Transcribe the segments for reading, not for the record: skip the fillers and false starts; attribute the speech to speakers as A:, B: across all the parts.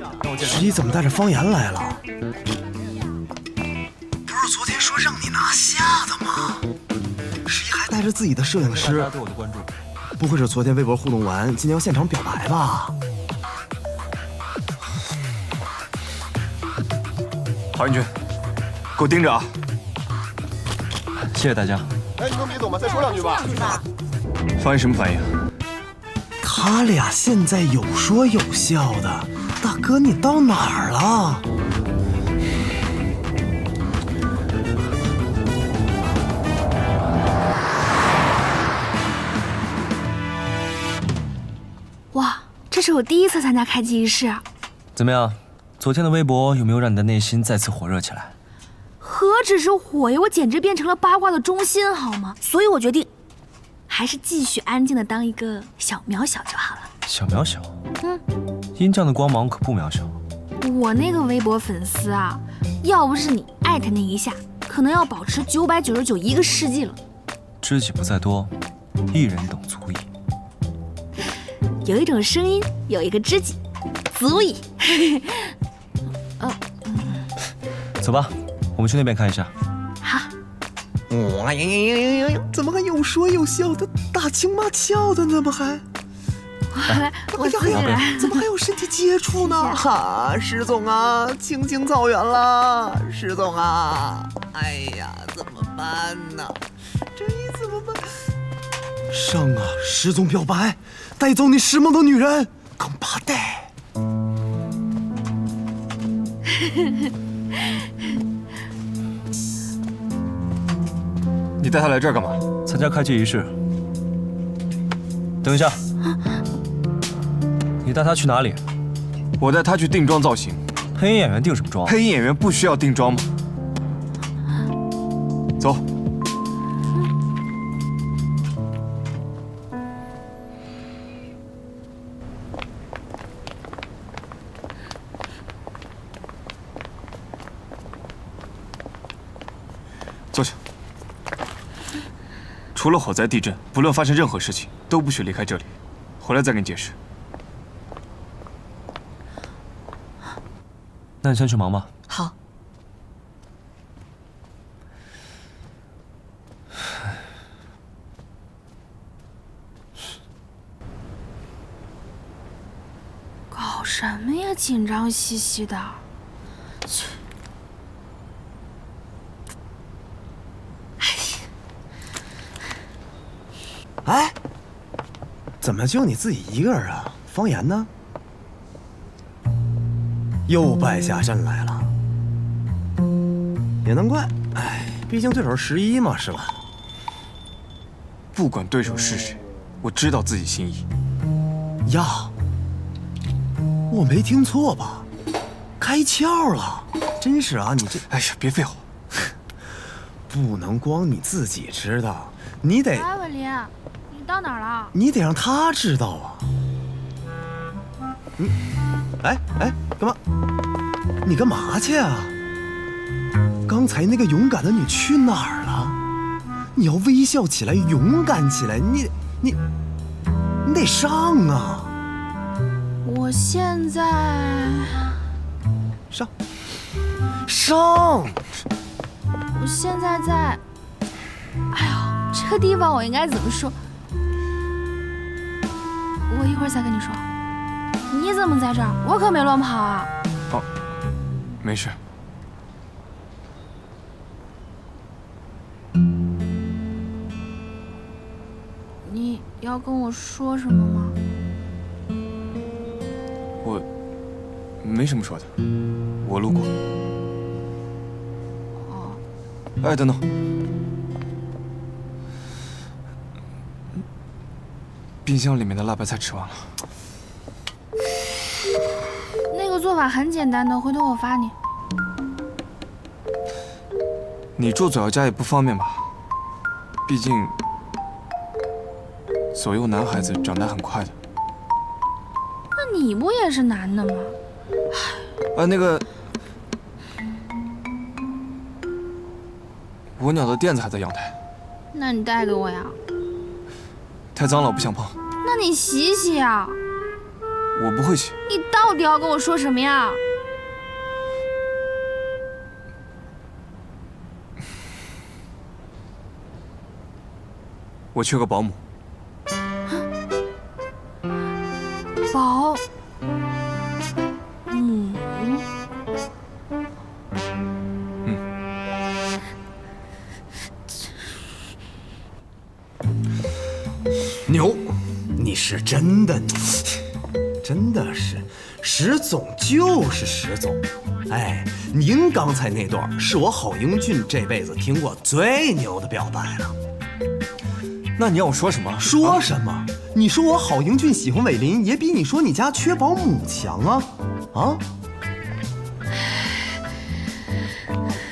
A: 十一怎么带着方言来了？不是昨天说让你拿下的吗？十一还带着自己的摄影师。对我的关注，不会是昨天微博互动完，今天要现场表白吧？
B: 郝云军，给我盯着啊！
C: 谢谢大家。
D: 哎，你们别走嘛，再说两句吧。
B: 方言什么反应？
A: 他俩现在有说有笑的，大哥你到哪儿了？
E: 哇，这是我第一次参加开机仪式。
C: 怎么样？昨天的微博有没有让你的内心再次火热起来？
E: 何止是火呀，我简直变成了八卦的中心，好吗？所以我决定，还是继续安静的当一个小渺小就好了。
C: 小渺小？殷酱的光芒可不渺小。
E: 我那个微博粉丝啊，要不是你艾特那一下，可能要保持999一个世纪了。
C: 知己不在多，一人懂足矣。
E: 有一种声音，有一个知己，足矣。
C: 走吧，我们去那边看一下。
E: 好。
A: 哇呀！怎么还有说有笑的，打情骂俏的呢？不还？
E: 我自己来。
A: 怎么还有身体接触呢？哈，石总啊，青青草原了，石总啊！哎呀，怎么办呢？这一怎么办？上啊，石总表白，带走你石梦的女人，更怕带。
B: 你带他来这儿干嘛？
C: 参加开机仪式。等一下，你带他去哪里？
B: 我带他去定妆造型。
C: 配音演员定什么妆？
B: 配音演员不需要定妆吗？走。坐下。除了火灾、地震，不论发生任何事情，都不许离开这里。回来再跟你解释。
C: 那你先去忙吧。
E: 好。搞什么呀？紧张兮兮的。去。
A: 哎，怎么就你自己一个人啊？方言呢？又败下阵来了，也难怪。哎，毕竟对手是11嘛，是吧？
B: 不管对手是谁，我知道自己心意。
A: 呀，我没听错吧？开窍了，真是啊！你这……
B: 哎呀，别废话，
A: 不能光你自己知道，你得……
E: 哎，文林，你到哪儿了？
A: 你得让他知道啊！哎，干嘛？你干嘛去啊？刚才那个勇敢的你去哪儿了？你要微笑起来，勇敢起来，你得上啊！
E: 我现在
A: 上！
E: 我现在在……哎呦，这个地方我应该怎么说？我一会儿再跟你说。你怎么在这儿？我可没乱跑啊！
B: 哦，没事。
E: 你要跟我说什么吗？
B: 我没什么说的，我路过。
E: 哦。
B: 哎，等等，冰箱里面的辣白菜吃完了。
E: 那个做法很简单的，回头我发你。
B: 你住左右家也不方便吧？毕竟左右男孩子长大很快的。
E: 那你不也是男的吗？
B: 那个我鸟的垫子还在阳台。
E: 那你带给我呀？
B: 太脏了，我不想碰。
E: 那你洗洗呀。
B: 我不会去。
E: 你到底要跟我说什么呀？
B: 我缺个保姆。
E: 保姆？
A: 牛，你是真的牛，真的是，石总就是石总。哎，您刚才那段是我郝英俊这辈子听过最牛的表白了。
B: 那你要我说什么？
A: 说什么？你说我郝英俊喜欢伟林，也比你说你家缺保姆强啊！啊？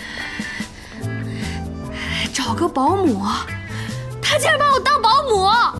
E: 找个保姆，他竟然把我当保姆！